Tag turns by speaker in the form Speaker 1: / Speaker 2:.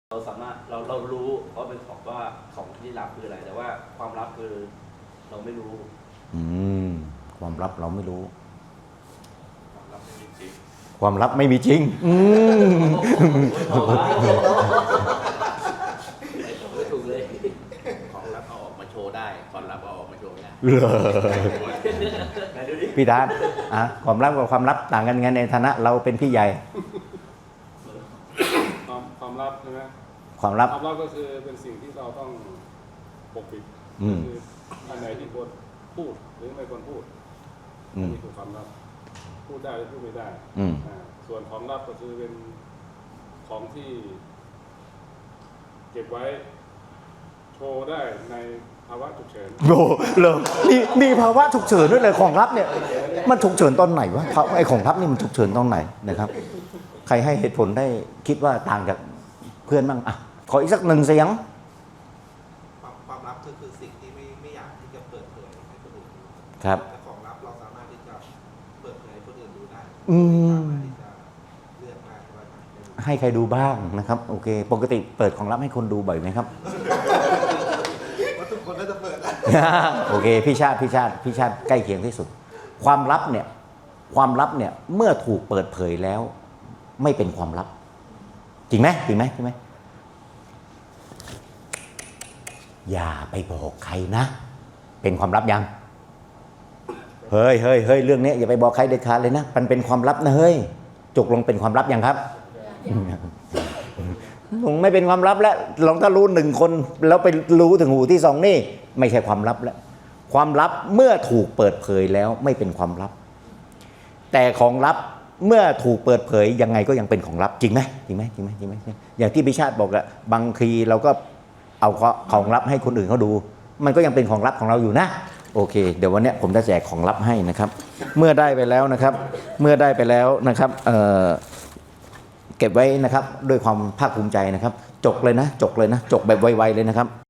Speaker 1: เราสามารถเรารู้ว่าเป็นของที่ลับคืออะไร แต่ว่าความลับคือเราไม่รู้
Speaker 2: อืมความลับเราไม่รู้
Speaker 1: ความลับไม่มีจริง
Speaker 2: ความลับไม่มีจริง
Speaker 1: ไม่ถูกเลย
Speaker 3: ของลับเอาออกมาโชว์ได้ความลับเอาออกมาโชว์ไม่ได้
Speaker 1: ไหนดูดิ
Speaker 2: พี่ดานความลับกับความลับต่างกันไงในฐานะเราเป็นพี่ใหญ่
Speaker 4: ความลับใช่ไหม
Speaker 2: ความลับ
Speaker 4: ความลับก็คือเป็นสิ่งที่เราต้องปกปิด
Speaker 2: อืม
Speaker 4: คืออันไหนที่ควรพูดหรือไม่ควรพูด
Speaker 2: อืม
Speaker 4: นี่คือความลับพูดได้หรือพูดไม่ได้
Speaker 2: อืม
Speaker 4: ส่วนของลับก็คือเป็นของที่เก็บไว้โชว์ได้ในภาวะฉุกเฉิน
Speaker 2: โอ้เลยมีภาวะฉุกเฉินด้วยเลยของลับเนี่ย มันฉุกเฉินตอนไหนวะไอ้ของลับนี่มันฉุกเฉินตอนไหนนะครับ ใครให้เหตุผลได้คิดว่าต่างจากเพื่อนบ้างขออีกสักหนึ่งเสียง
Speaker 5: ความลับคือสิ่งที่ไม่อยากที่จะเปิดเผยให้คนอื่นรู้
Speaker 2: ครับ
Speaker 5: แต่ของลับเราสามารถที่จะเปิดเผยให้คนอื่นรู้ได้
Speaker 2: อืม
Speaker 5: สามารถที่จะเลือกได้ว่าจะให้ดู
Speaker 2: ให้ใครดูบ้างนะครับโอเคปกติเปิดของลับให้คนดูบ่อยไหมครับ
Speaker 5: ว่าทุกคนน่าจะเปิด
Speaker 2: โอเคพี่ชาติใกล้เคียงที่สุด ความลับเนี่ยเมื่อถูกเปิดเผยแล้ว ไม่เป็นความลับ จริงไหมอย่าไปบอกใครนะ เป็นความลับยังเฮ้ยเรื่องนี้อย่าไปบอกใครเด็ดขาดเลยนะมันเป็นความลับนะเฮ้ยจกลงเป็นความลับยังครับลงไม่เป็นความลับแล้วลองถ้ารู้หนึ่งคนแล้วไปรู้ถึงหูที่สองนี่ไม่ใช่ความลับแล้วความลับเมื่อถูกเปิดเผยแล้วไม่เป็นความลับ แต่ของลับเมื่อถูกเปิดเผยยังไงก็ยังเป็นของลับจริงไหมอย่างที่พิชาติบอกอะบางทีเราก็เอาของลับให้คนอื่นเขาดู มันก็ยังเป็นของลับของเราอยู่นะโอเคเดี๋ยววันนี้ผมจะแจกของลับให้นะครับเมื่อได้ไปแล้วนะครับเก็บไว้นะครับด้วยความภาคภูมิใจนะครับจกเลยนะจกแบบไวๆเลยนะครับ